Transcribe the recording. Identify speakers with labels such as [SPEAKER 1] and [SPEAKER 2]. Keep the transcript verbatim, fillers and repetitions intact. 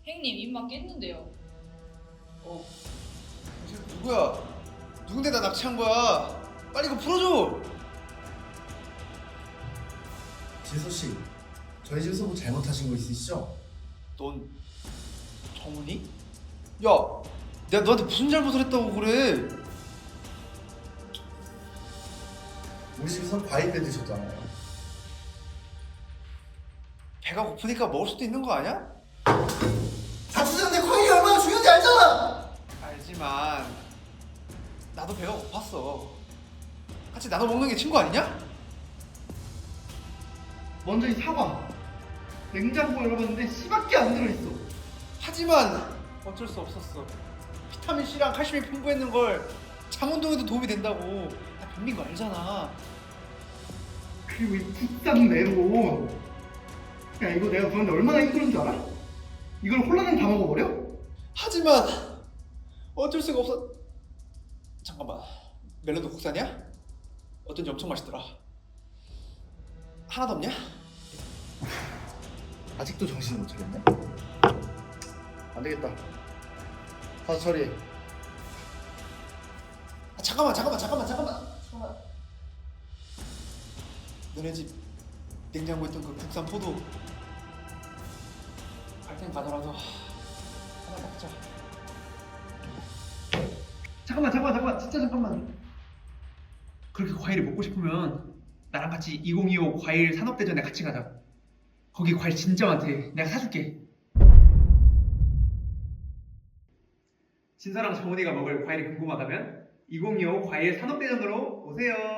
[SPEAKER 1] 행님 입만 깼는데요.
[SPEAKER 2] 어, 쟤 누구야? 누군데 나 납치한 거야? 빨리 이거 풀어줘!
[SPEAKER 3] 지소씨, 저희 집에서 뭐 잘못하신 거 있으시죠?
[SPEAKER 2] 넌 정훈이? 야, 내가 너한테 무슨 잘못을 했다고 그래?
[SPEAKER 3] 우리 집에서 과일 빼드셨잖아요.
[SPEAKER 2] 배가 고프니까 먹을 수도 있는 거 아니야?
[SPEAKER 3] 자취생인데 과일이 얼마나 중요한지 알잖아!
[SPEAKER 2] 알지만 나도 배가 고팠어. 같이 나눠 먹는 게 친구 아니냐?
[SPEAKER 4] 먼저 이 사과 냉장고에 열어봤는데 씨밖에 안 들어있어.
[SPEAKER 2] 하지만 어쩔 수 없었어. 비타민 C랑 칼슘이 풍부했는 걸 장운동에도 도움이 된다고. 나 변비인 거 알잖아.
[SPEAKER 4] 그리고 이 국산 메론, 야 이거 내가 그런데 얼마나 힘든 줄 알아? 이걸 홀라당 다 먹어버려?
[SPEAKER 2] 하지만 어쩔 수가 없어. 잠깐만, 멜론도 국산이야? 어쩐지 엄청 맛있더라. 하나도 없냐?
[SPEAKER 3] 아직도 정신을 못 차렸네? 안 되겠다. 가서 처리해.
[SPEAKER 2] 아, 잠깐만 잠깐만 잠깐만 잠깐만 잠깐만. 너네 집 냉장고에 있던 그 국산 포도 갈땐 가더라도 하나 먹자.
[SPEAKER 4] 잠깐만 잠깐만 잠깐만 진짜 잠깐만. 그렇게 과일이 먹고 싶으면 나랑 같이 이천이십오 과일 산업대전에 같이 가자. 거기 과일 진짜 많대. 내가 사줄게. 진서랑 정훈이가 먹을 과일이 궁금하다면 이천이십오 과일 산업대전으로 오세요.